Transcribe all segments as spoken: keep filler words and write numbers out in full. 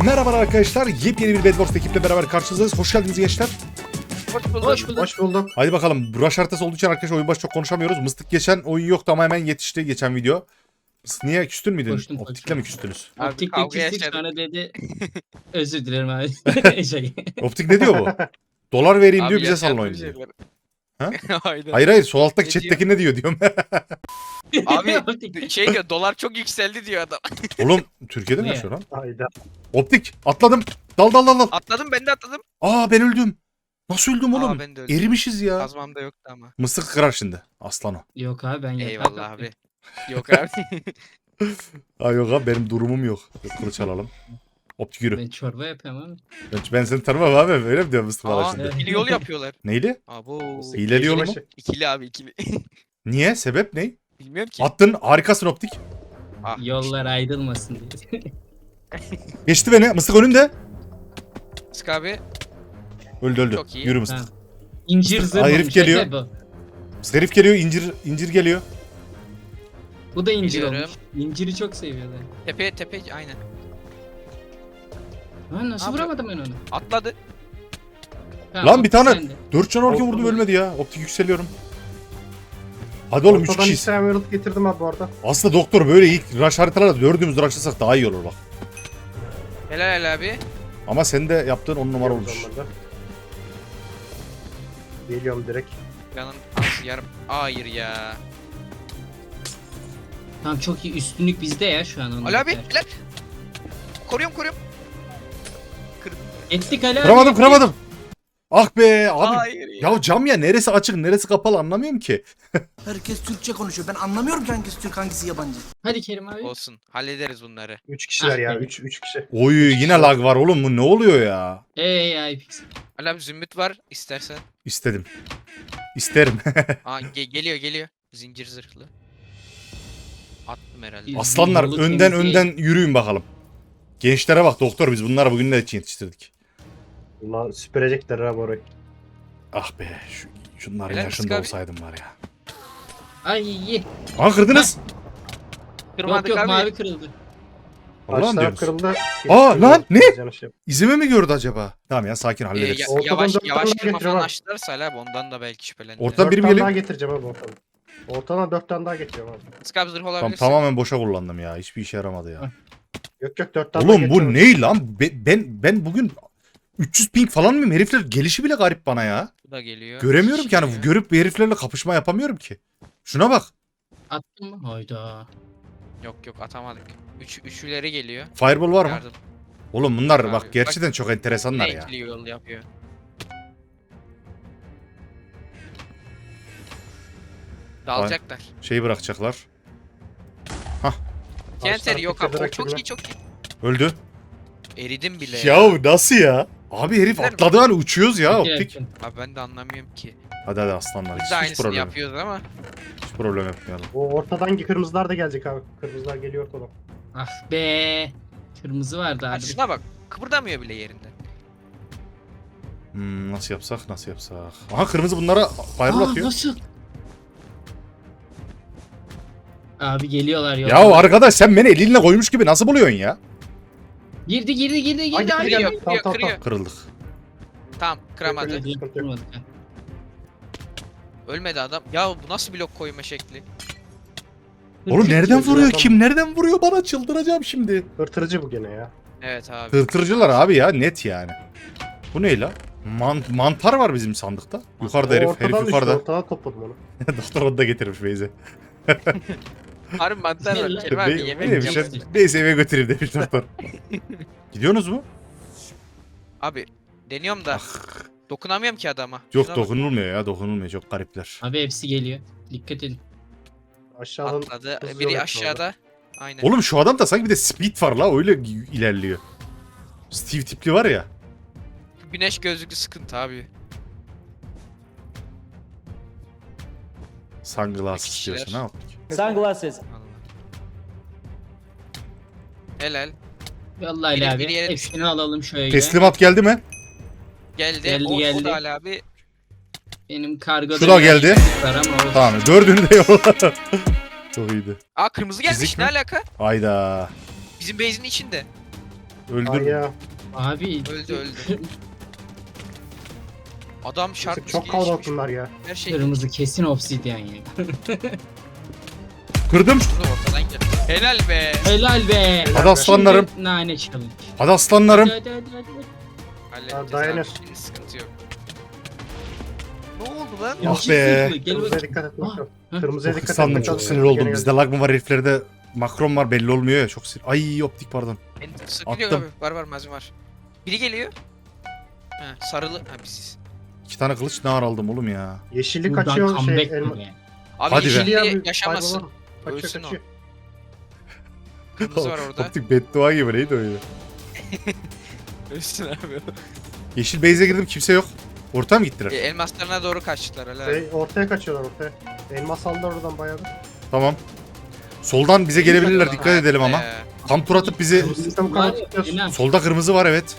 Merhaba arkadaşlar, yepyeni bir Bedwars ekiple beraber karşınızdayız. Hoş geldiniz gençler. Hoş bulduk. Hoş bulduk. Hoş bulduk. Haydi bakalım, rush haritası olduğu için arkadaşlar oyun başı çok konuşamıyoruz. Mıstık geçen oyun yoktu ama hemen yetişti geçen video. Mıstık niye küstün müydün? Koştum, Optikle koştum. mi küstünüz? Abi, Optik kavga de küstük yaşadık. sonra dedi. Özür dilerim abi. şey. Optik ne diyor bu? Dolar vereyim diyor, Abi bize salın yaşanmış oyunu diyor. şeyler. Ha? Aynen. Hayır hayır, sol alttaki Ne chatteki ne diyor diyorum. Abi Optik. şey diyor, dolar çok yükseldi diyor adam. Oğlum Türkiye'de mi Ne? yaşıyor lan? Hayda. Optik atladım. Dal dal dal dal. Atladım, ben de atladım. Aa ben öldüm. Nasıl öldüm oğlum? Aa, ben de öldüm. Erimişiz ya. Kazmam da yoktu ama. Mıstık kırar şimdi. Aslan o. Yok abi ben yatak Eyvallah yaptım. abi. Yok abi. Ay yok abi, benim durumum yok. Kılıç alalım. Optik yürü. Ben çorba yapıyorum abi. Ben, ben seni tanımam abi. Öyle mi diyor Mıstık bana Aa, şimdi? evet. ikili yol yapıyorlar. Neydi? Abo. Hileli yol mu? İkili abi, ikili. Niye? Sebep ne? Bilmiyorum ki. Attın, harikasın Optik. Ah, Yollar ayrılmasın diye. Geçti beni. Mıstık önünde. Sık abi. Öldü öldü. Çok iyi. Yürü Mıstık. Ha. İncir zırh Aa, herif olmuş, geliyor. Efe bu. Mıstık herif geliyor. incir incir geliyor. Bu da incir Biliyorum. olmuş. İnciri çok seviyorlar. Tepe tepe aynen. Lan nasıl Abi. vuramadım ben onu? Atladı. Ha, Lan bir Optik tane- sende. Dört can orken vurdum, ölmedi ya. Optik yükseliyorum. Hadi oğlum üç Ortadan kişiyiz. hiç Emerald getirdim abi bu arada. Aslında doktor böyle ilk rush haritalarda dördümüz rushlasak daha iyi olur bak. Helal helal abi. Ama sen de yaptığın on numara olmuş. Zamanında. Geliyorum direkt. Yanın az yarım. Hayır ya. Tamam çok iyi, üstünlük bizde ya şu an. Ali abi helal. Koruyorum koruyorum. Ettik Ali abi. Kıramadım ettik. kıramadım. Ah be abi. Hayır ya. Ya cam ya, neresi açık neresi kapalı anlamıyorum ki. Herkes Türkçe konuşuyor. Ben anlamıyorum ki hangisi Türk hangisi yabancı. Hadi Kerim abi. Olsun. Hallederiz bunları. üç kişiler Ah ya. be. üç üç kişi. Oy yine lag var oğlum, bu ne oluyor ya? Ey ay pixel. Ali abi zümrüt var istersen. İstedim. İsterim. Aa ge- geliyor geliyor. Zincir zırhlı. Attım herhalde. Biz- Aslanlar Yolu önden temizleyin. önden yürüyün bakalım. Gençlere bak doktor, biz bunları bugün de yetiştirdik. Ulan süpürecekler abi orayı. Ah be şu, şunların Helal yaşında abi. olsaydım var ya. Ay iyi. Aa kırdınız. Yok Kırmadık yok abi. mavi kırıldı. Allah'ım Taşlar diyoruz. kırıldı. Aa, lan, ne? Canı şey. İzimi mi gördü acaba? Tamam ya, sakin Ee, hallederiz. ya- Ortadan yavaş dört yavaş tane kırma getiriyor falan abi. açtılarsa Ali abi ondan da belki şüphelendi. Ortadan Dört biri mi tane geliyor? daha getireceğim abi ortadan. Ortadan dört tane daha getiriyorum abi. Skab zırh Tamam, olabilirsin. tamamen boşa kullandım ya. Hiçbir işe yaramadı ya. Yok yok dört tane daha Oğlum bu getiriyorum. ne lan? Be- ben ben bugün üç yüz ping falan mıyım? Herifler gelişi bile garip bana ya. Bu da geliyor. Göremiyorum ki, yani Geliyor. görüp heriflerle kapışma yapamıyorum ki. Şuna bak. Attın mı? Hayda. Yok yok atamadık. Üç, üçüleri geliyor. Fireball var mı? Yardım. Oğlum bunlar Abi, bak gerçekten çok enteresanlar Yine ya. ikili yol yapıyor. Dalacaklar. Şeyi bırakacaklar. Kenter yok abi. O Taşlar çok rakibine. iyi çok iyi. Öldü. Eridim bile. Ya nasıl ya? Abi herif Güzel mi? atladı hani uçuyoruz ya Çok optik. yakın. Abi ben de anlamıyorum ki. Hadi hadi aslanlar. Biz Hiç, de hiç aynısını problem, yok. yapıyoruz ama. Hiç problem yapmayalım. O ortadan kırmızılar da gelecek abi. Kırmızılar geliyor ortadan. Ah be. Kırmızı vardı Ha, abi. şuna bak. Kıpırdamıyor bile yerinden. Hmm, nasıl yapsak nasıl yapsak. Aha kırmızı bunlara fireball Aa, atıyor. nasıl? Abi geliyorlar ya. Ya arkadaş sen beni elinle koymuş gibi nasıl buluyorsun ya? Girdi girdi girdi girdi Hadi, abi. hadi, Kırıyor, Tamam, kırıyor, tamam, kırıyor. Kırıldık. Tamam, kıramadı. Kırıyor. Hadi, Sıkıntı yok. vurmadık ha. Ölmedi adam. Ya bu nasıl blok koyma şekli? Oğlum nereden Kırmızı vuruyor? adam. Kim nereden vuruyor? Bana çıldıracağım şimdi. Hırtırıcı bu gene ya. Evet abi. Tırtırcılar abi ya, net yani. Bu ne la? Man mantar var bizim sandıkta. Yukarıda O herif, ortadan herif düştü, yukarıda. Ortadan topladım onu. Doktor onu da getirmiş Beyze. Harbi mantar var. Ne Kerim abi Be- yemek neymiş yapsın. ya? Neyse eve götüreyim demiş doktor. Gidiyorsunuz mu? Abi deniyorum da dokunamıyorum ki adama. Yok Şuna bak. dokunulmuyor ya, dokunulmuyor, çok garipler. Abi hepsi geliyor. Dikkat edin. Aşağıdan Atladı. hızlı Biri yol aşağıda. Aynen. Oğlum şu adam da sanki bir de speed var la, öyle ilerliyor. Steve tipli var ya. Güneş gözlüklü sıkıntı abi. Sunglass Kişiler. istiyorsun ha optik. Sunglasses. Allah. Helal. Vallahi Biri- Ali abi. biri yere Hepsini alalım şöyle. Teslimat geldi mi? Geldi. Geldi, o, o geldi. da Ali abi. Benim kargoda Şu da biraz geldi. sıkıntı var ama o- Tamam, dördünü de yolla. Çok iyiydi. Aa kırmızı gelmiş. Fizik Ne mi? alaka? Hayda. Bizim base'in içinde. Öldür. Ay ya. Abi. Öldü, öldü. Adam şarkı Çok kalabalık bunlar ya. Her şey Kırmızı kesin obsidyen ya. Kırdım. burada ortadan geldi. Helal be. Helal be. Hadi aslanlarım. Şimdi nane challenge. Hadi aslanlarım. Hadi hadi hadi. hadi. Halledeceğiz dayanır. abi. Şimdi sıkıntı yok. Ne oldu lan? Ah Yeşil be. zırhlı, Gel Kırmızıya bakayım. dikkat et bakalım. Hah. Kırmızıya Çok dikkat et. sandım, bakalım. çok sinir oldum. Gene Bizde lag mı var heriflerde makron var belli olmuyor ya. Çok sinir. Ay optik pardon. Beni sıkılıyor Attım. abi. Var var malzeme var. Biri geliyor. Ha, sarılı. Ha biziz. İki tane kılıç ne ar aldım oğlum ya. Yeşillik Buradan kaçıyor şey. comeback Elma... mi? Abi Hadi be. yeşilli abi, yaşamasın. kaybolalım. Kaçıyor Ölsün o. kaçıyor. Kırmızı var orada. Optik beddua gibi neydi o ya? Ölsün abi. Yeşil base'e girdim kimse yok. Orta mı gittiler? E, elmaslarına doğru kaçtılar helal. Şey, ortaya kaçıyorlar ortaya. Elmas aldılar oradan bayağı bir. Tamam. Soldan bize gelebilirler dikkat edelim ama. Ee, Tam tur atıp bizi... Kırmızı bu kadar Var ya, tutuyorsun. Sinan, Solda kırmızı var evet.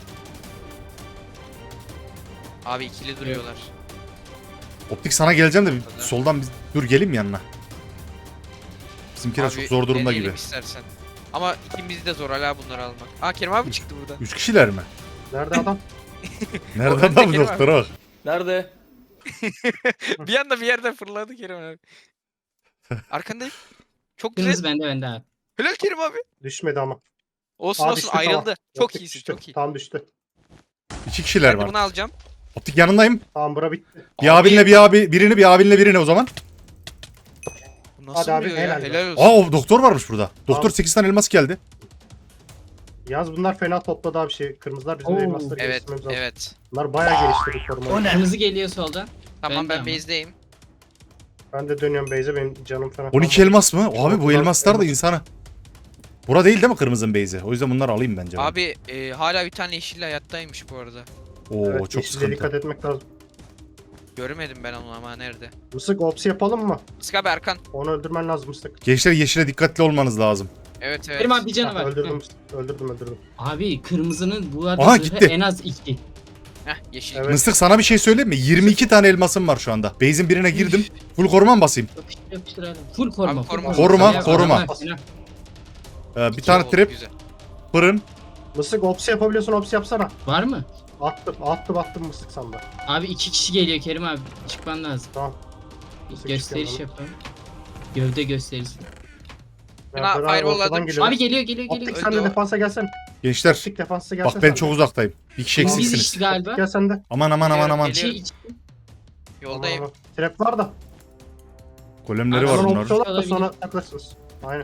abi ikili duruyorlar. Optik sana geleceğim de bir soldan biz... Dur gelim yanına. Bizimkiler Abi, çok zor durumda deneyelim gibi. istersen. Ama ikimiz de zor hala bunları almak. Aa Kerim abi çıktı burada. Üç kişiler mi? Nerede adam? Nerede Orada adam Kerim doktora bak. Nerede? Bir anda bir yerden fırladı Kerim abi. Arkandayım. Çok güzel. Kırmızı bende bende abi. Helal Kerim abi. Düşmedi ama. Olsun Aa, olsun düştü, ayrıldı. tamam. Çok Optik iyisin düştü. çok iyi. Tam düştü. İki kişiler Ben de var. bunu alacağım. Optik yanındayım. Tamam bura bitti. Bir abinle bir abi birini bir abinle birini o zaman. Bu nasıl Hadi abi, vuruyor ya? helal Helal olsun. Aa o doktor varmış burada. Doktor Tamam. sekiz tane elmas geldi. Yalnız bunlar fena topladı abi şey. Kırmızılar bizim Oo. elmasları Evet geliştirmemiz lazım. evet. Bunlar bayağı geliştirdi korumayı. O ne? Kırmızı geliyor soldan. Tamam Ben de ben ama. base'deyim. Ben de dönüyorum base'e benim canım falan. on iki kalmadı. elmas mı? Abi bu Bunlar elmaslar da elmas. insana. Bura değil değil mi kırmızının base'i? O yüzden bunları alayım bence. ben. Abi e, hala bir tane yeşilli hayattaymış bu arada. Oo Evet, çok yeşile dikkat sıkıntı. etmek lazım. Göremedim ben onu ama nerede? Mısık opsi yapalım mı? Sık abi Erkan. Onu öldürmen lazım Mısık. Gençler yeşile dikkatli olmanız lazım. Evet evet. Kerim abi bir canı Ha, var. öldürdüm Hı. Mısık. Öldürdüm öldürdüm. Abi kırmızının bu arada Aha, zırhı gitti. en az iki. Heh yeşil. Evet. Mıstık sana bir şey söyleyeyim mi? yirmi iki tane elmasım var şu anda. Base'in birine girdim. Full koruma mı basayım? Yapıştır yapıştır abi. Full koruma. Abi full koruma. Koruma, Sana koruma. adamlar fena. Ee, bir İki tane oldu, trap, Güzel. fırın. Mısık opsi yapabiliyorsun opsi yapsana. Var mı? Attım attım attım Mısık sanda. Abi iki kişi geliyor Kerim abi. Çıkman lazım. Tamam. Nasıl Gösteriş çıkıyorum yapalım. Gövde gösterisi. Ben Ya, beraber fireball ortadan aldım. geliyor. Abi geliyor geliyor geliyor. Optik Öldü sen de o. defansa gelsen. Gençler Optik defansa gelsen. bak ben sen çok de. uzaktayım. Bir kişi Biz eksiksiniz. işte galiba. Gel sen de. Aman aman aman aman. Geliyor. İçi içi. Yoldayım. Aman, aman. Trap var da. Golemleri Abi, var Sonra bunların. opsi olarak da Olabilir. sonra takılırsınız. Aynen.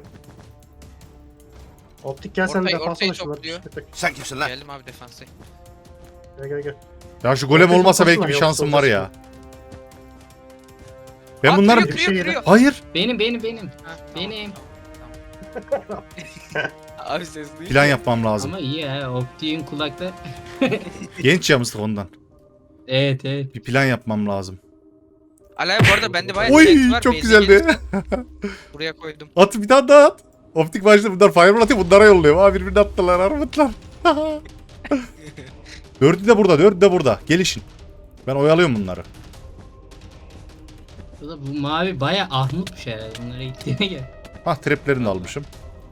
Optik gel sen de Ortayı- defansa ortayı da şunları. topluyor. tık tık. Sen kimsin lan? Geldim abi defansa. Gel gel gel. Ya şu golem Ortaya olmasa belki toplasana, bir yok, şansım var ya. olacak. Ben Aa, bunların... kırıyor, Bir kırıyor, şey kırıyor. Hayır. Benim benim benim. Ha, tamam. Benim. Abi ses duyuyor. Plan yapmam lazım. Ama iyi ya. Optiğin kulakta. Genç ya mıstık ondan. Evet evet. Bir plan yapmam lazım. Alay bu arada bende bayağı Oy direkt var. çok base'e güzeldi. gelirsen Buraya koydum. At bir tane daha at. Optik başta bunlar fireball atıyor bunlara yolluyor. Aa birbirini attılar armutlar. Dördü de burada dördü de burada. Gelişin. Ben oyalıyorum bunları. Bu da bu mavi baya ahmutmuş herhalde. Bunlara gittiğine gel. Hah traplerini de almışım.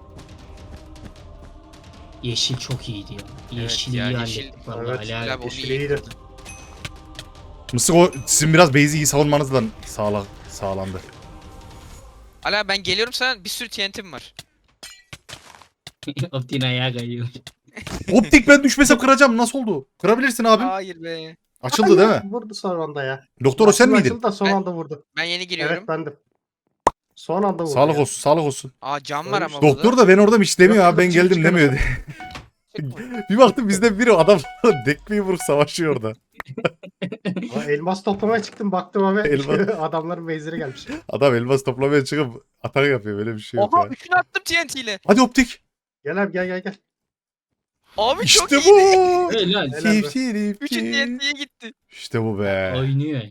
Yeşil çok iyiydi ya. Yeşil ya, iyi yeşil- hallettik vallahi. Evet, Ali abi. Helal, onu Yeşil iyi. iyiydi. Mısık o sizin biraz base'i iyi savunmanızla sağla, sağlandı. Ala ben geliyorum sana bir sürü T N T'm var. Optiğin ayağı kayıyor. Optik ben düşmesem kıracağım. Nasıl oldu? Kırabilirsin abim. Hayır be. Açıldı değil mi? Vurdu son anda ya. Doktor o sen Açıldı, miydin? açıldı da son Ben- anda vurdu. Ben yeni giriyorum. Evet bendim. Son anda vurdu. Sağlık ya. olsun, sağlık olsun. Aa cam var Ölmüş. ama Doktor burada. da ben orada hiç demiyor Yok, abi ben yok, geldim çıkıyor. demiyor. Bir baktım bizden biri adam dekmeyi vurup savaşıyor orada. Ama elmas toplamaya çıktım baktım abi. Elmas. Adamların base'leri gelmiş. Adam elmas toplamaya çıkıp atak yapıyor böyle bir şey yok Oha ya. üçünü attım T N T ile. Hadi optik. Gel abi gel gel gel. Abi çok İşte iyiydi. bu. Helal. Helal be. Keyif, keyif, Üçü keyif. T N T'ye gitti. İşte bu be. Oynuyor.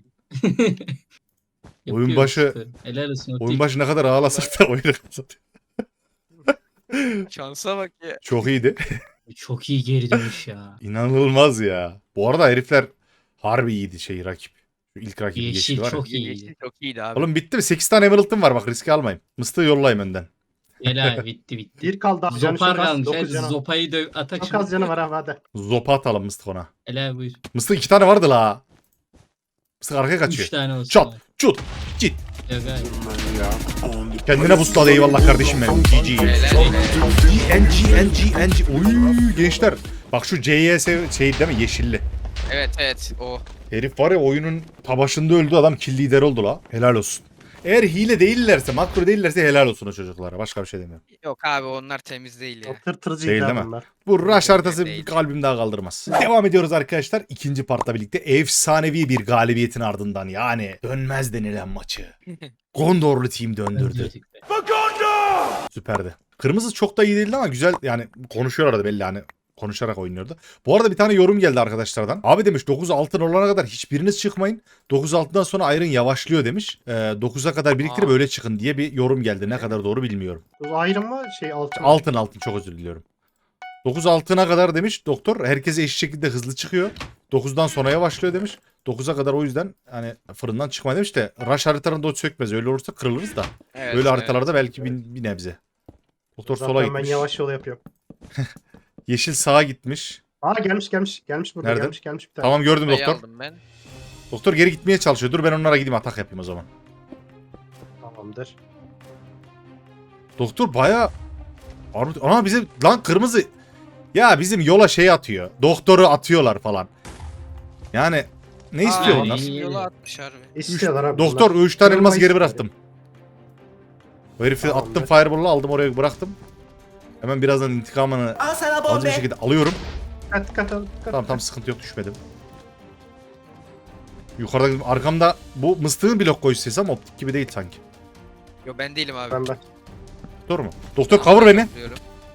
Oyun Yapıyor başı- işte. Helal olsun Optik. Oyun başı ne kadar ağlasak da oyunu kazanıyor. Şansa bak ya. Çok iyiydi. Çok iyi geri dönüş ya. İnanılmaz ya. Bu arada herifler harbi iyiydi şey rakip. Şu ilk rakibi Yeşil geçti var ya. çok iyiydi. Yeşil çok iyiydi abi. Oğlum bitti mi? sekiz tane emerald'ım var bak riski almayın. Mıstığı yollayayım önden. Helal bitti bitti. Bir kaldı abi. Canı Zopar çok az. kalmış. dokuz Hadi canı. zopayı döv atak Çok az canı var abi hadi. Zopa atalım Mıstık ona. Helal buyur. Mıstık iki tane vardı la. Mıstık arkaya kaçıyor. Üç tane olsun. Çat, çut, git. Yok abi. Kendine busladı eyvallah kardeşim benim. G G. Helal N G, N G, N G. Oy gençler. Bak şu C Y S şey değil mi? Yeşilli. Evet evet o. Herif var ya oyunun ta başında öldü adam kill lider oldu la. Helal olsun. Eğer hile değillerse, makro değillerse helal olsun o çocuklara. Başka bir şey demiyorum. Yok abi onlar temiz değil ya. O tır tırcıydı Değil abi değil mi? bunlar. Bu rush haritası Değil. kalbim daha kaldırmaz. Devam ediyoruz arkadaşlar. İkinci partla birlikte efsanevi bir galibiyetin ardından yani dönmez denilen maçı. Gondorlu team döndürdü. Süperdi. Kırmızı çok da iyi değildi ama güzel yani konuşuyor arada belli hani konuşarak oynuyordu. Bu arada bir tane yorum geldi arkadaşlardan. Abi demiş dokuz altın olana kadar hiçbiriniz çıkmayın. dokuz altından sonra Iron yavaşlıyor demiş. Ee, dokuza kadar biriktirip Aa. öyle çıkın diye bir yorum geldi. Ne kadar doğru bilmiyorum. Bu ayrım mı? Şey altın. Altın altın çok özür diliyorum. dokuz altına kadar demiş doktor. Herkese eşit şekilde hızlı çıkıyor. dokuzdan sonra yavaşlıyor demiş. dokuza kadar o yüzden hani fırından çıkma demiş de rush haritalarında o sökmez. Öyle olursa kırılırız da. Evet, Böyle evet. haritalarda belki bir, bir nebze. Doktor Zaten sola ben gitmiş. yavaş yol yapıyorum. Yeşil sağa gitmiş. Aa gelmiş gelmiş. Gelmiş burada Nerede? gelmiş gelmiş bir tane. Tamam gördüm Kupayı doktor. aldım ben. Doktor geri gitmeye çalışıyor. Dur ben onlara gideyim atak yapayım o zaman. Tamamdır. Doktor baya... Ana bize lan kırmızı... Ya bizim yola şey atıyor. Doktoru atıyorlar falan. Yani ne istiyor Aa, onlar? iyi. bizim yola atmış harbi. İstiyorlar abi. Doktor bunlar. üç tane elmas Kırılmayı geri istiyor. bıraktım. O herifi Tamamdır. attım fireball'la aldım oraya bıraktım. Hemen birazdan intikamını Al sana acı bir bombe. şekilde alıyorum. Dikkat dikkat al, dikkat. Tamam tamam sıkıntı yok düşmedim. Yukarıda arkamda bu mıstığın blok koyuş sesi ama optik gibi değil sanki. Yo ben değilim abi. Ben ben. Doktor mu? Doktor cover beni. Diyorum.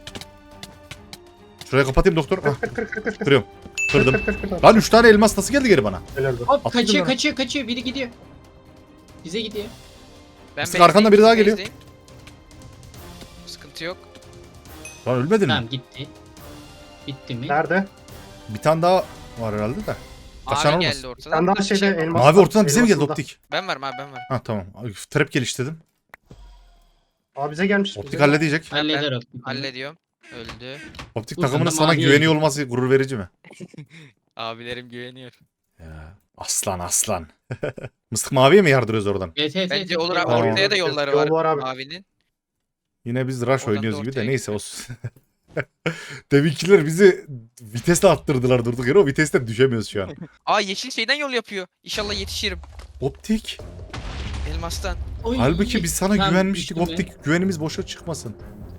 Şuraya kapatayım doktor. Ah, Kır kır kır kır. kırıyorum. Kırdım. Kır kır kır kır. Lan üç tane elmas nasıl geldi geri bana? Helal be. Hop Attın kaçıyor mı? kaçıyor kaçıyor. Biri gidiyor. Bize gidiyor. Ben Mıstık arkanda biri daha geliyor. base'deyim. Sıkıntı yok. Lan ölmedin mi? Tamam gitti. Bitti mi? Nerede? Bir tane daha var herhalde de. Kaçan Abi olmaz. geldi ortadan. Sen daha Bir şeyde şey var. elmas. Mavi ortadan bize mi geldi elmasında. optik? Ben varım abi ben varım. Ha tamam. Ay, Trap geliştirdim. Aa bize gelmiş. Optik bize halledecek. Halleder o. Hallediyorum. Öldü. Optik Bu takımının sırada sana mavi güveniyor öldü. olması gurur verici mi? Abilerim güveniyor. Ya, aslan aslan. Mıstık maviye mi yardırıyoruz oradan? Evet evet. Bence evet. olur abi. Tamam. Ortaya da yolları Yol var. var abi. Abinin. Yine biz rush Oradan oynuyoruz da gibi de ortaya neyse gidiyor. olsun. Deminkiler bizi vitesle attırdılar durduk yere o vitesten düşemiyoruz şu an. Aa yeşil şeyden yol yapıyor. İnşallah yetişirim. Optik. Elmastan. Oy. Halbuki biz sana Tamam, güvenmiştik düştüm optik. Güvenimiz boşa çıkmasın.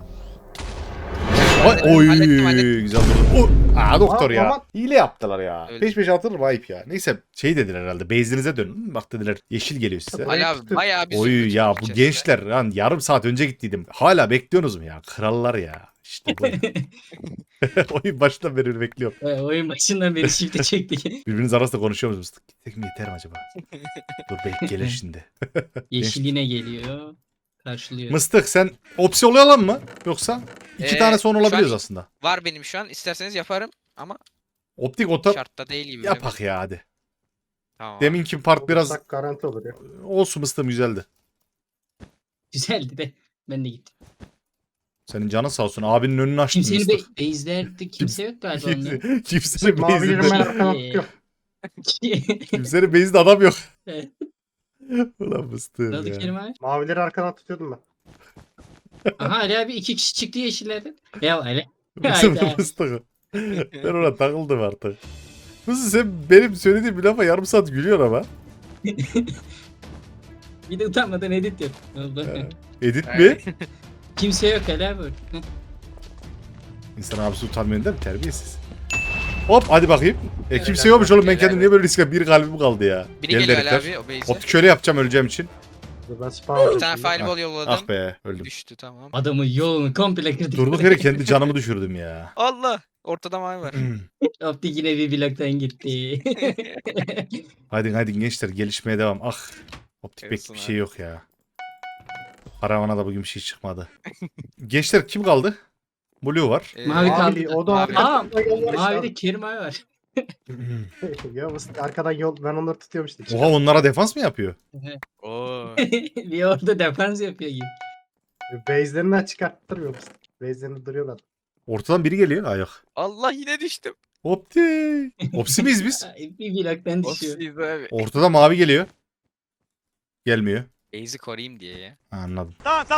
Ay, Hallettim, oy hallettim, hallettim. güzel durdu. O, aa doktor Aa, ya. aman. Hile yaptılar ya. Öyle. Peş peşe atılır mı ayıp ya. Neyse şey dediler herhalde. Base'inize dönün. Bak dediler yeşil geliyor size. Ay, Ali abi tuttum. bayağı bir Oy zümrüt ya bu gideceğiz gençler lan yarım saat önce gittiydim. Hala bekliyorsunuz mu ya? Krallar ya. İşte bu. Oyun başından beri bekliyorum. Evet, oyun başından beri shift'e çektik. Birbiriniz arasında konuşuyor musunuz? Gitsek mi yeter mi acaba? Dur belki gelir şimdi. Yeşil yine geliyor. Karşılıyor. Mıstık sen opsi olalım mı? Yoksa iki Ee, tane son şu olabiliyoruz an- aslında. Var benim şu an. İsterseniz yaparım ama Optik ota şartta değil gibi. yapak ya hadi. Tamam. Deminki part biraz Olursak garanti olur ya. olsun mıstığım güzeldi. Güzeldi de. Ben de gittim. Senin canın sağ olsun. Abinin önünü açtın Kimsenin mıstık. be base'lerde kimse yok galiba onların. Kimse, kimsenin Mavilerin ben base'inde, arkadan tutuyorum. kimsenin base'inde adam yok. Evet. Ulan mıstığım Ne oldu ya. Kerim abi? Mavileri arkadan tutuyordum ben. Aha Ali abi iki kişi çıktı yeşillerden. Ya Ali. Mıstık. Hayda. Mıstık. Ben ona takıldım artık. Mıstık sen benim söylediğim bir lafa yarım saat gülüyor ama. Bir de utanmadan edit yap. Ne oldu? Edit mi? Evet. Kimse yok Ali abi. Hı. İnsan abisi utanmıyor değil mi? Terbiyesiz. Hop hadi bakayım. E Evet, kimse evet, yokmuş oğlum ben evet, kendim evet. niye böyle riske bir kalbim kaldı ya. Biri Gel geliyor Ali herifler. abi o base'e. Optik şöyle yapacağım öleceğim için. Dur ben spawn olacağım Bir tane şimdi. fireball yolladım. Ah be öldüm. Düştü tamam. Adamın yolunu komple kırdık. Durduk yere kendi canımı düşürdüm ya. Allah. Ortada mavi var. Optik yine bir bloktan gitti. Hadi hadi gençler gelişmeye devam. Ah. Optik pek Olsun bir abi. şey yok ya. Karavana da bugün bir şey çıkmadı. Gençler kim kaldı? Blue var. Ee, Mavi kaldı. Mavili, o da Mavi. Aa, arkadan yol var işte Mavi abi. de Kerim abi var. Ya bu arkadan yol ben onları tutuyorum işte. Oha onlara defans mı yapıyor? Oo. bir orada defans yapıyor gibi. Base'lerinden çıkarttırmıyor musun? Base'lerinde duruyorlar. Ortadan biri geliyor. Ay yok. Allah yine düştüm. Optik. Opsi miyiz biz? Ay, bir bloktan düşüyor. Ofsiz abi. Ortada mavi geliyor. Gelmiyor. Base'i koruyayım diye ya. Ha, anladım.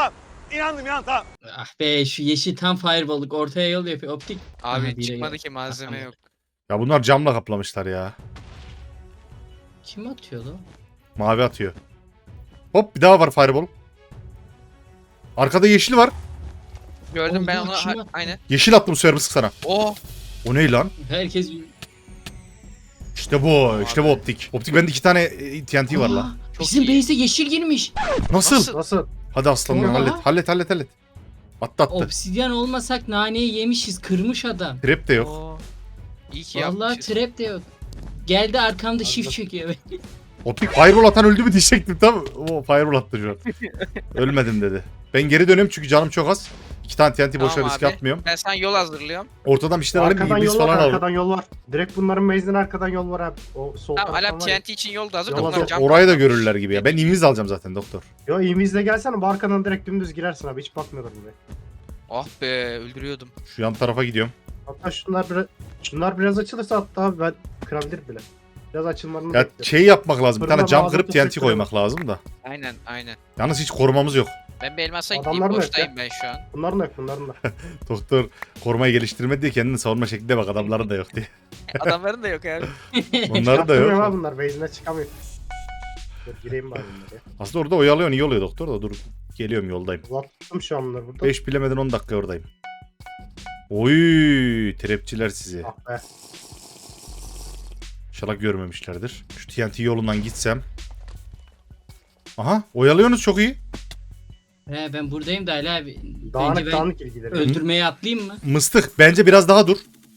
Ah be şu yeşil tam fireball'lık ortaya yol yapıyor. Optik. Abi Aha, biri çıkmadı yok. ki malzeme Aha, yok. Ya bunlar camla kaplamışlar ya. Kim atıyor lan? Mavi atıyor. Hop bir daha var fireball. Arkada yeşil var. Gördüm ben Allah, onu. kim Ha- attı? Aynen. Yeşil attım süremiz sana. Oh. O ne lan? Herkes... İşte bu. işte bu Abi. optik. Optik bende iki tane e, T N T var Aa, lan. Çok Bizim iyi. base'e yeşil girmiş. Nasıl? Nasıl? Nasıl? Hadi aslanım ya, Oha. hallet. Hallet hallet hallet. Attı attı. Obsidyen olmasak naneyi yemişiz. Kırmış adam. Trap de yok. Oo. İyi ki Vallahi yapmışız. trap de yok. Geldi arkamda shift çekiyor. Optik fireball atan öldü mü diyecektim tam. O fireball attı şu an. Ölmedim dedi. Ben geri dönüyorum çünkü canım çok az. İki tane T N T boşuna Tamam riske abi. atmıyorum. Ben sana yol hazırlıyorum. Ortadan bir şeyler alayım. Arkadan İblis yol var, falan alalım. arkadan yol var. Direkt bunların base'den arkadan yol var abi. O sol Tamam taraftan Alem var ya. T N T için yol da hazır da Yol bunlar hazır. cam Orayı da patlamış. görürler gibi ya. Ben inviz alacağım zaten doktor. Yo invizle gelsene bu arkadan direkt dümdüz girersin abi. Hiç bakmıyorlar buraya. Ah be öldürüyordum. Şu yan tarafa gidiyorum. Hatta şunlar biraz, şunlar biraz açılırsa hatta abi ben kırabilir bile. Biraz açılmalarını Ya bekliyorum. şey yapmak lazım. Bir tane Fırına cam bazı kırıp T N T teşekkür koymak lazım da. Aynen aynen. Yalnız hiç korumamız yok. Ben bir elmasa gideyim Adamlar mı boştayım ben şu an. Bunların da yok bunların da. Doktor korumayı geliştirmedi diye kendini savunma şeklinde bak adamların da yok diye. Adamların da yok abi. Onların da Yaptırmıyorum yok. abi bunlar base'ine çıkamıyor. Dur gireyim bari bunlara. Aslında orada oyalıyorsun iyi oluyor doktor da dur. Geliyorum yoldayım. Uzattım şu an bunları burada. beş bilemeden on dakika oradayım. Oy trapçiler sizi. Ah be. İnşallah görmemişlerdir. Şu T N T yolundan gitsem. Aha oyalıyorsunuz çok iyi. He ben buradayım da Ali abi. Bence Dağınık ben dağınık ilgileri. öldürmeye atlayayım mı? Mıstık bence biraz daha dur.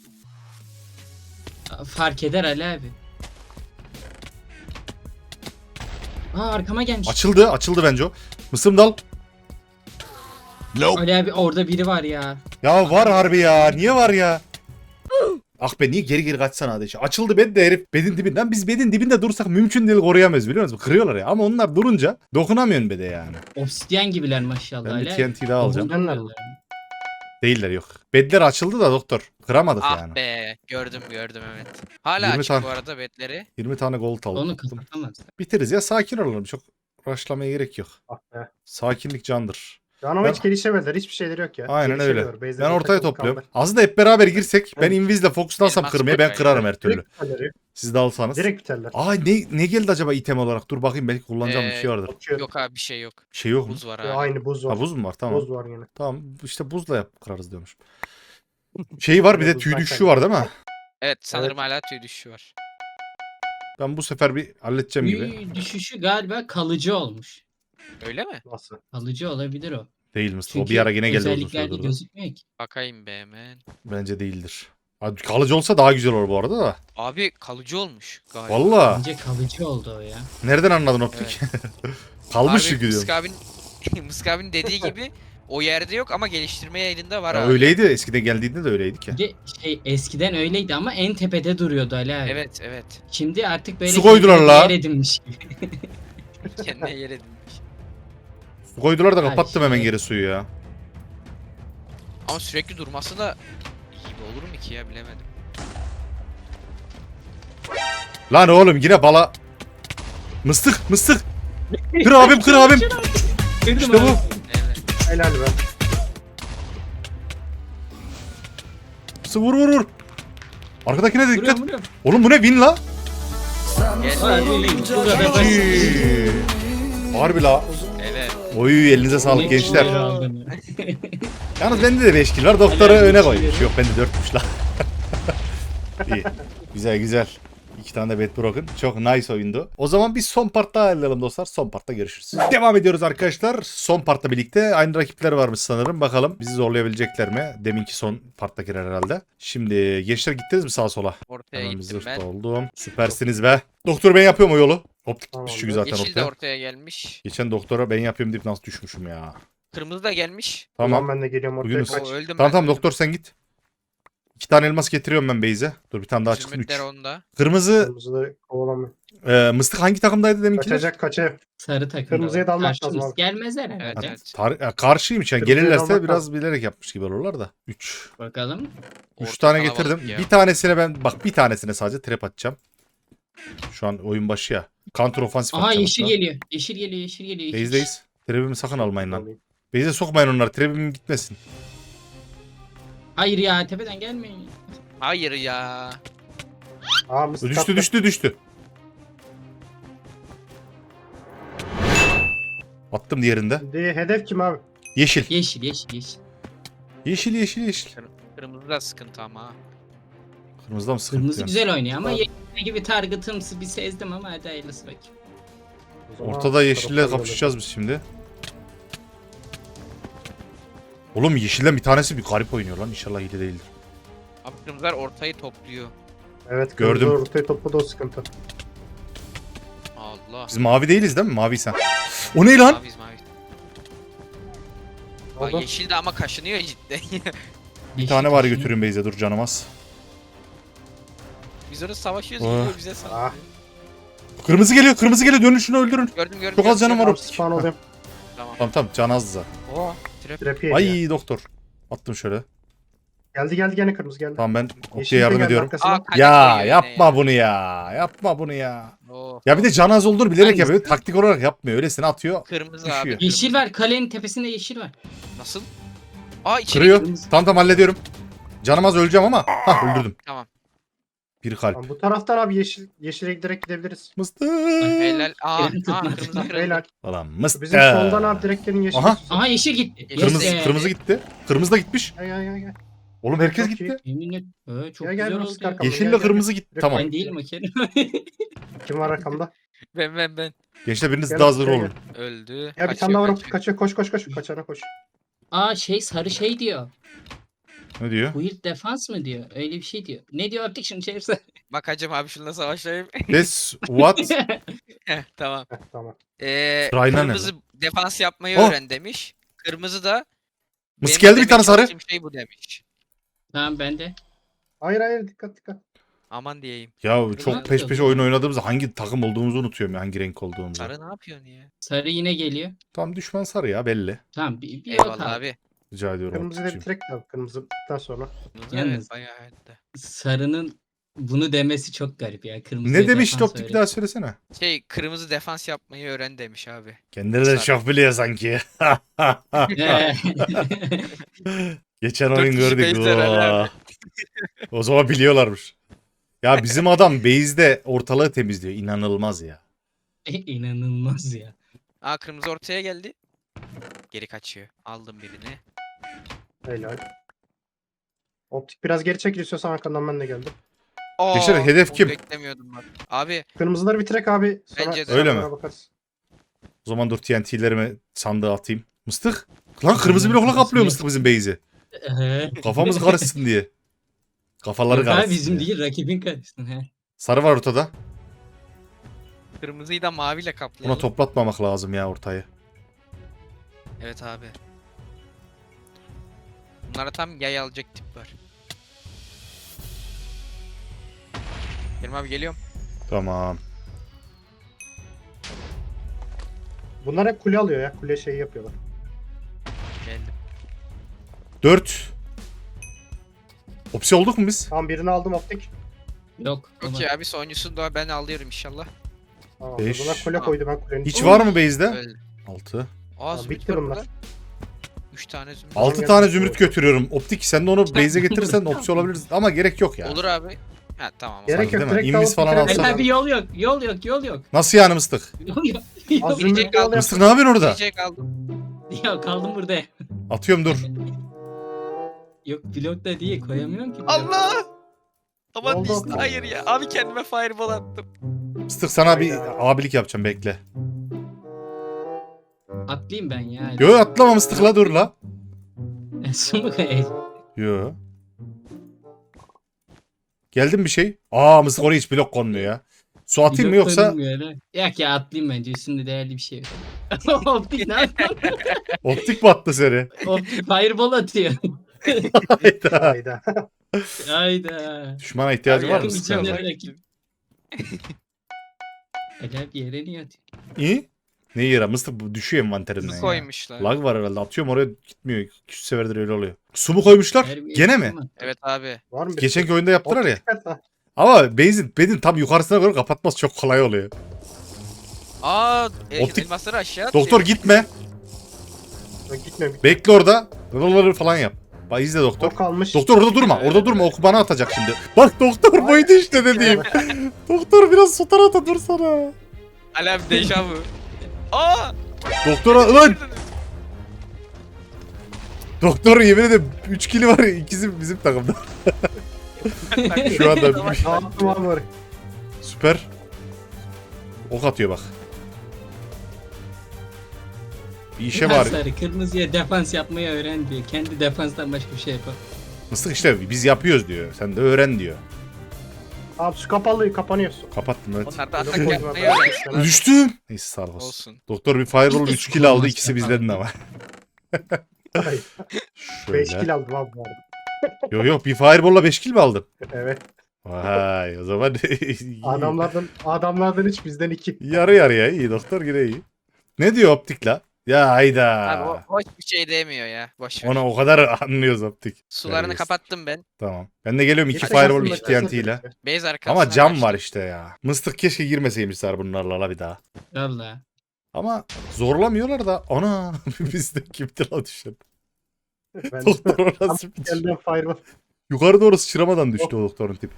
Fark eder Ali abi. Aa arkama gelmiş. Açıldı açıldı bence o. Mısırım dal. Ali abi orada biri var ya. Ya var harbi ya. Niye var ya? Ah be niye geri geri kaçsana hadi. Açıldı bed de herif bedin dibinden. Biz bedin dibinde dursak mümkün değil koruyamayız biliyor musunuz? Kırıyorlar ya. Ama onlar durunca dokunamıyorsun bede yani. Obsidyen gibiler maşallah Ben Ali bir abi. T N T daha alacağım. Dokunmuyorlar. Değiller yok. Bedler açıldı da doktor. Kıramadık Ah yani. be gördüm gördüm evet. Hala yirmi açık tane- bu arada betleri. yirmi tane gold aldım. Onu kapatamaz. Biteriz ya sakin olalım. Çok rushlamaya gerek yok. Ah be. Sakinlik candır. Şu an ama Ben- hiç gelişemediler. Hiçbir şeyleri yok ya. Aynen öyle. Gelişemiyor. Base'de Ben bir ortaya takım topluyorum. kaldı. Aslında hep beraber girsek ben Evet. invizle fokuslansam Elmas kırmaya ben koy kırarım yani. her türlü. Direkt biterler. Siz de alsanız. Direkt biterler. Aa ne, ne geldi acaba item olarak? Dur bakayım belki kullanacağım bir Ee, şey vardır. Bakıyorum. Yok abi bir şey yok. Bir şey yok mu? Buz var Ya, abi. aynı buz var. Ha buz mu var? Tamam. Buz var yine. Tamam işte buzla yap kırarız diyormuş. Şey var bir de tüy Buzdan düşüşü var değil mi? Evet sanırım hala tüy düşüşü var. Ben bu sefer bir halledeceğim gibi. Büyü düşüşü galiba kalıcı olmuş. Öyle mi? Nasıl? Kalıcı olabilir o. Değil Mustafa. O Çünkü bir ara yine geldi uzun özelliklerde süre durdu. gözükmüyor ki. Bakayım be hemen. Bence değildir. Abi kalıcı olsa daha güzel olur bu arada da. Abi kalıcı olmuş galiba. Valla. Bence kalıcı oldu o ya. Nereden anladın optik? Kalmış çünkü diyorum. Mısk abinin, Mısk abinin dediği gibi o yerde yok ama geliştirmeye elinde var Ya abi. öyleydi. Eskiden geldiğinde de öyleydik ya. Bir de şey eskiden öyleydi ama en tepede duruyordu Ali abi. Evet evet. Şimdi artık böyle Su koydular kendine la. yer edinmiş gibi. Kendine yer edinmiş. Su koydular da Her kapattım şey. hemen geri suyu ya. Ama sürekli durması da iyi olur mu ki ya bilemedim. Lan oğlum yine bala. Mıstık mıstık. Kır abim kır abim. Kırdım İşte abi. bu. Evet. Helal be. Mıstık vur vur vur. Arkadakine de dikkat. Vuruyorum vuruyorum. Oğlum bu ne win la? Gel. Harbi bu kadar basit. Ciii. Harbi la. Evet. Oy elinize sağlık Ne gençler. kişileri aldın ya. Yalnız bende de beş kill var. Doktora Helal öne beş koymuş. kill. Yok bende dörtmüş la. İyi. Güzel güzel. İki tane de bet broken. Çok nice oyundu. O zaman biz son partta ayarlayalım dostlar. Son partta görüşürüz. Devam ediyoruz arkadaşlar. Son partta birlikte. Aynı rakipler varmış sanırım. Bakalım bizi zorlayabilecekler mi? Deminki son parttakiler herhalde. Şimdi gençler gittiniz mi sağa sola? Ortaya Hemen bir gittim zırh ben. da oldum. Süpersiniz be. Doktor ben yapıyorum o yolu. Optik Tamam, çünkü zaten Yeşil de ortaya. ortaya gelmiş. Geçen doktora ben yapıyorum deyip nasıl düşmüşüm ya. Kırmızı da gelmiş. Tamam. Ben de geliyorum ortaya Bugün- kaç. O öldüm Tamam ben, tamam öldüm. doktor sen git. İki tane elmas getiriyorum ben Beyze. Dur bir tane daha çıksın. Üç. Zümrütler onda. Kırmızı Kırmızıları kovalamıyor. e, mıstık hangi takımdaydı deminkiler? Kaçacak kaçacak. Sarı takım. Kırmızıya dalmak lazım Karşımız abi. Gelmezler Evet, herhalde. evet. Tar- ya karşıymış yani. Kırmızıya Gelirlerse dalmak biraz lazım. bilerek yapmış gibi olurlar da. Üç. Bakalım. Üç Orta tane kalabalık getirdim. ya. Bir tanesine ben bak bir tanesine sadece trap atacağım. Şu an oyun başı ya. Counter ofansif Aha atacağım. yeşil hatta. geliyor. Yeşil geliyor, yeşil geliyor. yeşil. Base'deyiz. Trap'imi sakın almayın lan. Alayım. Base'e sokmayın onları. Trap'im gitmesin. Hayır ya tepeden gelmeyin. Hayır ya. Aa mıstık Düştü attı. düştü düştü. Attım diğerinde. Şimdi hedef kim abi? Yeşil. Yeşil, yeşil, yeşil. Yeşil yeşil yeşil. Kırmızı da sıkıntı ama. Kırmızıda mı sıkıntı? Kırmızı yani? güzel oynuyor ama Abi. yeşil gibi target'ımsı bir sezdim ama hadi hayırlısı bakayım. O zaman Ortada yeşille taraftan kapışacağız biz şimdi. Oğlum yeşilden bir tanesi bir garip oynuyor lan. İnşallah hile değildir. Abi kırmızılar ortayı topluyor. Evet Gördüm. gördüm. Ortaya topladı o sıkıntı. Allah. Biz mavi değiliz değil mi? Mavi sen. O ne lan? Maviz maviz. Bak Oldu. yeşil de ama kaşınıyor cidden. Bir tane var götürün Beyze dur canımaz. Biz orada savaşıyoruz Oh. geliyor bize Ah. saldırıyor. Kırmızı geliyor kırmızı geliyor dönün şunu öldürün. Gördüm gördüm. Çok az gördüm, canım var gördüm. o. Tam spawn oluyorum. Tamam. Tamam tamam can azdı zaten. Oo. Trap. Trap'i yedi ya. Ay doktor. Attım şöyle. Geldi geldi gene kırmızı geldi. Tamam ben Yeşil Opti'ye de yardım geldi ediyorum. arkasına. Aa, kale Ya koyuyor yine yapma ya. bunu ya. Yapma bunu ya. Oo. Ya bir de can az olduğunu bilerek Hangisi? yapıyor. Taktik olarak yapmıyor. Öylesine atıyor. Kırmızı Düşüyor. abi. Yeşil kırmızı. var, kalenin tepesinde yeşil var. Nasıl? Aa içeri Kırıyor. kırmızı. Tamam tamam hallediyorum. Canım az öleceğim ama. Hah öldürdüm. Tamam. Bir kalp. Tamam, bu taraftan abi yeşil yeşile direkt gidebiliriz. Mıstık. Helal. Aa, Elini aa tutma. kırmızı kırıldı. Beyler Ulan mıstık. bizim soldan abi direkt gelin yeşil. Aha. Aha yeşil gitti. Yes Kırmızı, be. kırmızı gitti. Kırmızı da gitmiş. Gel gel gel. gel. Oğlum herkes Çok gitti. Yemin et. Ee, çok Gel, gel, güzel Mustafa oldu ya. Kamal. Yeşille gel, gel. kırmızı gitti. Direkt Tamam. Ben değilim o Kerim. Kim var arkamda? Ben ben ben. Gençler biriniz Gel, daha hazır gel, olun. Öldü. Ya bir Kaçıyor, tane daha var kaçıyor. kaçıyor koş koş koş kaçana koş. Aa şey sarı şey diyor. Ne diyor? Weird defans mı diyor? Öyle bir şey diyor. Ne diyor artık şunu çevirsen. Bak hacım abi şununla savaşayım. This what? Heh, tamam. Heh, tamam. Ee, Sırayla ne kırmızı defans yapmayı Oh. öğren demiş. Kırmızı da Mısık benim geldi bir demeye tane sarı. çalıştığım şey bu demiş. Tamam ben de. Hayır hayır dikkat dikkat. Aman diyeyim. Ya Ne çok peş yapıyor peşe bu? oyun oynadığımızda hangi takım olduğumuzu unutuyorum ya. Hangi renk olduğumuzu. Sarı ne yapıyorsun ya? Sarı yine geliyor. Tam düşman sarı ya belli. Tamam bir, bir yok Eyvallah abi. abi. Rica ediyorum. Kırmızı da Optikçim. bitirek de kırmızıdan sonra. Kırmızı Yalnız- evet bayağı hayatta. Sarının bunu demesi çok garip ya. Kırmızı Ne demiş optik bir daha söylesene. Şey kırmızı defans yapmayı öğren demiş abi. Kendileri de Sarı. çok biliyor sanki. Geçen Dört oyun kişi gördük. base'ler herhalde. Oo. O zaman biliyorlarmış. Ya bizim adam base'de ortalığı temizliyor. İnanılmaz ya. İnanılmaz ya. Aa kırmızı ortaya geldi. Geri kaçıyor. Aldım birini. Helal. Optik biraz geri çekil istiyorsan arkandan ben de geldim. Aa, Gençler, hedef onu kim? Beklemiyordum bak. Abi Kırmızıları bitirek abi. Sonra Bence de. Öyle mi? sonra bakarız. O zaman dur T N T'lerimi sandığa atayım. Mıstık. Lan kırmızı blokla kaplıyor mıstık bizim base'i. Kafamız karışsın diye. Kafaları Yok abi karışsın bizim diye. değil rakibin karışsın. He. Sarı var ortada. kırmızıyı da maviyle Buna kaplayalım. toplatmamak lazım ya ortayı. Evet abi. Bunlara tam yay alacak tip var. Kerim abi geliyorum. Tamam. Bunlar hep kule alıyor ya. Kule şeyi yapıyorlar. Geldim. dört. Opsi olduk mu biz? Tamam birini aldım optik. Yok. Okey abi sonuncusunu da ben alıyorum inşallah. Tamam. Beş. Bunlar kule Tamam. koydu ben kulenin. Hiç içine. var mı base'de? Öldü. altı. Aa Tamam, zümrüt bitti var bunlar. burada. üç tane zümrüt. altı gel- tane zümrüt götürüyorum. Optik sen de onu base'e getirirsen opsi olabilir ama gerek yok ya. Olur abi. Ha tamam. Gerek Sanki yok. değil mi? Direkt İnvis alıp falan bitirelim. alsana. Beyler bir yol yok. Yol yok. Yol yok. Nasıl yani mıstık? Yol yok. Az Yol yok. zümrüt Yiyecek yol aldım. yap. Mıstık ne yapıyorsun orada? Yiyecek aldım. Ya kaldım burada. Atıyorum dur. Yok blok da değil koyamıyorum ki. blok. Allah! Aman Oldu. biz hayır ya. Abi kendime fireball attım. Mıstık sana bir Hayda. abilik yapacağım bekle. Atlayayım ben ya. Yo atlama mıstık la dur la. Su mu kayayım? Yo. Geldim bir şey. Aa mıstık oraya hiç blok konmuyor ya. Su atayım mı Blok yoksa tanınmıyor lan. Yok ya atlayayım bence. Üstünde değerli bir şey yok. Optik ne yapıyor? optik mi attı seni? Optik fireball atıyor. Hayda. Hayda. Hayda. Düşmana ihtiyacı Abi var mı? yakın Sıkar. bir Sıkar. rakip. Acayip yere niye atıyor? İyi. Ne yara? Mıstık bu düşüyor envanterimden Su ya. koymuşlar. Lag var herhalde. Atıyorum oraya gitmiyor. iki yüz seferdir öyle oluyor. Su mu koymuşlar? Her bir Gene mi? yakın mı? Evet abi. Var mı bir Geçenki oyunda yaptılar ya. Dikkat ha. Ama base'in bedin tam yukarısına göre kapatması çok kolay oluyor. Aa, e, Optik- elmasları aşağı atıyor. Doktor gitme. Gitme gitme. Bekle orada. Rıvırları falan yap. Bak izle doktor. O kalmış. Doktor orada durma. Orada durma. Oku bana atacak şimdi. Bak doktor buydu işte dediğim. Doktor biraz su tarafta dursana. Ali abi deja vu. Aa! Doktora lan. Doktor yemin ederim üç kili var. İkisi bizim takımda. Şu anda Ne yaptım abi oraya? süper. Ok atıyor bak. Bir işe var. Sarı kırmızıya defans yapmayı öğren diyor. Kendi defanstan başka bir şey yapar. Mıstık işte biz yapıyoruz diyor. Sen de öğren diyor. Abi su kapalı kapanıyor su. Kapattım evet. Onlar da Öyle atak koyma yapmayı ben. öğrensin. Düştüm. Neyse sağlık olsun. Olsun. Doktor bir fireball Biz de üç kill aldı. kullanmaz İkisi yapalım. bizden ama. Hayır. beş Şöyle. kill aldım abi bu arada. Yok yok bir fireball'la beş kill mi aldın? Evet. Vay o zaman Adamlardan adamlardan hiç bizden iki. yarı yarıya iyi doktor yine iyi. Ne diyor optik la? Ya hayda. Abi o boş bir şey demiyor ya. Boş ver. Ona o kadar anlıyoruz optik. Sularını Terbiyesiz. kapattım ben. Tamam. Ben de geliyorum iki Geçen fireball aslında iki T N T ile. Base arkasına Ama cam kaçtım. var işte ya. Mıstık keşke girmeseymişler bunlarla la bir daha. Valla. Ama zorlamıyorlar da ana biz de kimdi la düşen. Ben Doktor orası bir geldim fireball. yukarı doğru sıçramadan düştü o doktorun tip.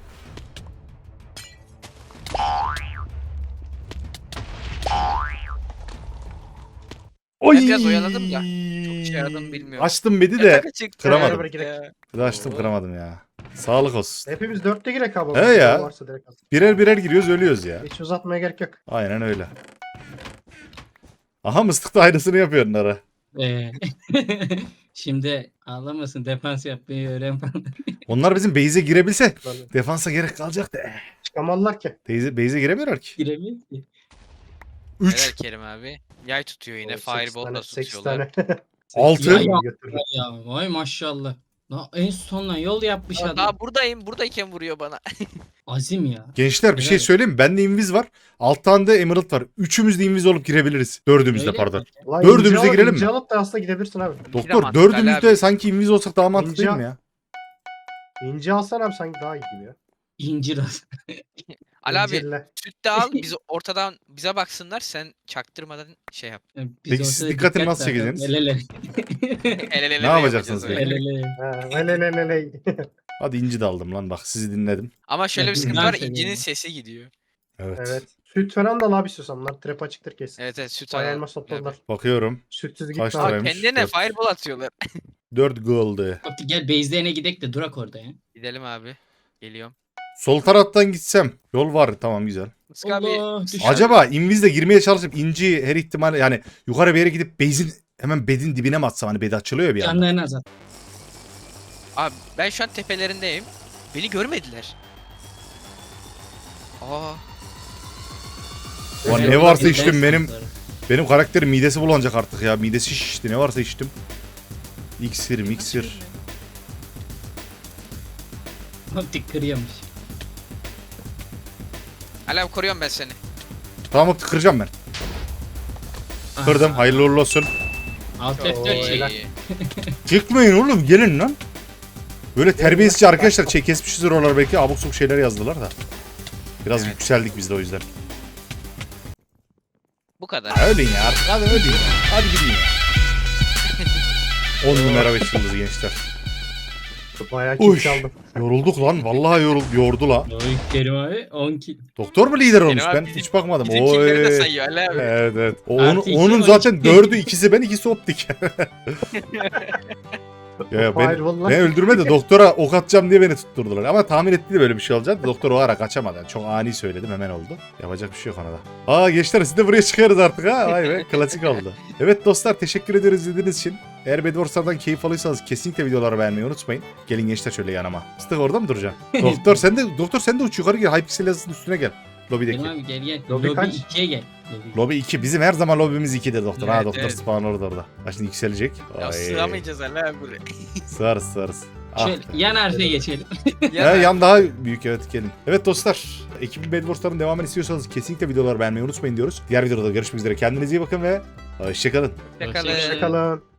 Oy! biraz oyaladım da, çok işe yaradı mı bilmiyorum. Açtım bedi de Yatak açık. kıramadım. Beraber girek. bir de açtım kıramadım ya. Sağlık olsun. Hepimiz dörtte girek abi. He ya. Varsa direkt at. Birer birer giriyoruz ölüyoruz ya. Hiç uzatmaya gerek yok. Aynen öyle. Aha mıstık da aynısını yapıyor onlara. Ee, Şimdi ağlamasın defans yapmayı öğren falan. Onlar bizim base'e girebilse Böyle defansa gerek kalacak da. Çıkamazlar ki. Base'e, base'e giremiyorlar ki. Giremiyor ki. Helal üç, Kerim abi. Yay tutuyor yine. sekiz tane, Fireball da sekiz tutuyorlar. tane. Altı. Sekiz tane Ya, götürdü. Ya vay maşallah. La, en sonuna yol yapmış Aa, adam. daha buradayım. Buradayken vuruyor bana. Azim ya. Gençler bir şey Evet. söyleyeyim mi? Bende inviz var. Alt tane de emerald var. Üçümüz de inviz olup girebiliriz. Dördümüz de Öyle pardon. mi? Lan Dördümüze ince al- girelim ince mi? alıp da aslında gidebilirsin abi. Doktor mantıklı dördümüz Ali de abi. sanki inviz olsak daha mantıklı değil İnce- mi ya? İnce alsan abi sanki daha iyi gibi ya. İncir az. Ali abi İncirle. süt de al. Bizi ortadan bize baksınlar. Sen çaktırmadan şey yap. Biz Peki siz ortada dikkatini dikkat nasıl dağıtalım. çekeceksiniz? El ele. El ele Ne yapacaksınız yapacağız peki? öyle. El ele. Ha, hele hele hele. Hadi inci de aldım lan bak sizi dinledim. Ama şöyle bir Evet, sıkıntı ben var. seviyorum. İncinin sesi gidiyor. Evet. Evet. Süt falan da al abi istiyorsan. Bunlar trap açıktır kesin. Evet evet süt Bayağı al. elmas topladılar. Bakıyorum. Sütsüz Kaç gitme lira? abi. Aa Liraymış, kendine dört. fireball atıyorlar. dört gold. Optik gel base'lerine gidek de durak orada ya. Gidelim abi. Geliyorum. Sol taraftan gitsem. Yol var tamam güzel. Mıska abi. Allah, Mıska düştü. abi. Acaba invizle girmeye çalışıp inci her ihtimal yani yukarı bir yere gidip base'in hemen bedin dibine mi atsam hani bed açılıyor ya bir anda. Canlarını azalt. Abi ben şu an tepelerindeyim. Beni görmediler. Aa. Ulan Evet, ne varsa ben içtim benim sınıfları. benim karakterim midesi bulanacak artık ya. Midesi şişti ne varsa içtim. İksir miksir. Optik kırıyormuş. Ali abi koruyorum ben seni. Tamam kıracağım ben. Kırdım Aha. hayırlı uğurlu olsun. Alt Oo, F dört çek. helal. İyi. Çıkmayın oğlum gelin lan. Böyle terbiyesizce arkadaşlar çek kesmişiz oralar belki abuk sabuk şeyler yazdılar da. Biraz Evet. yükseldik biz de o yüzden. Bu kadar. Ya ölün ya artık hadi ölün ya. Hadi gidin ya. on numara beş yıldız gençler. Bayağı Uy. kill çaldım. Yorulduk lan vallahi yorul, yordu la. Oy Kerim abi on kill. Doktor mu lider olmuş abi ben bizim- hiç bakmadım. Bizim kimleri de Oy. sayıyor Ali abi. Evet evet. O, Artı onu, iki, onun on zaten iki. dördü ikisi ben ikisi optik. ya ben, Fireball'lar. ben öldürmedi doktora ok atacağım diye beni tutturdular. Ama tahmin etti de böyle bir şey olacak. Doktor o ara kaçamadı. Yani çok ani söyledim hemen oldu. Yapacak bir şey yok ona da. Aa gençler siz de buraya çıkarız artık ha. Vay be klasik oldu. Evet dostlar teşekkür ederiz izlediğiniz için. Eğer Bedwars'lardan keyif alıyorsanız kesinlikle videoları beğenmeyi unutmayın. Gelin gençler şöyle yanıma. Sıtık orada mı duracaksın? doktor sen de doktor sen de uç yukarı gel. Hypixel yazısının üstüne gel. Lobideki. Kerim abi gel gel. Lobi Lobi kaç? ikiye gel. Lobi. Lobi iki. Bizim her zaman lobimiz ikidir doktor. ha Evet, doktor evet. spawn orada orada. Ha şimdi yükselecek. Ya Ay. sığamayacağız Ali abi buraya. Sığarız sığarız. Ah Şöyle be. yan harfe geçelim. He, yan daha büyük, evet, gelin. Evet dostlar, ekibin Bedwars'ların devamını istiyorsanız kesinlikle videoları beğenmeyi unutmayın diyoruz. Diğer videoda görüşmek üzere. Kendinize iyi bakın ve hoşçakalın. Yakalın. Hoşçakalın. Hoşçakalın.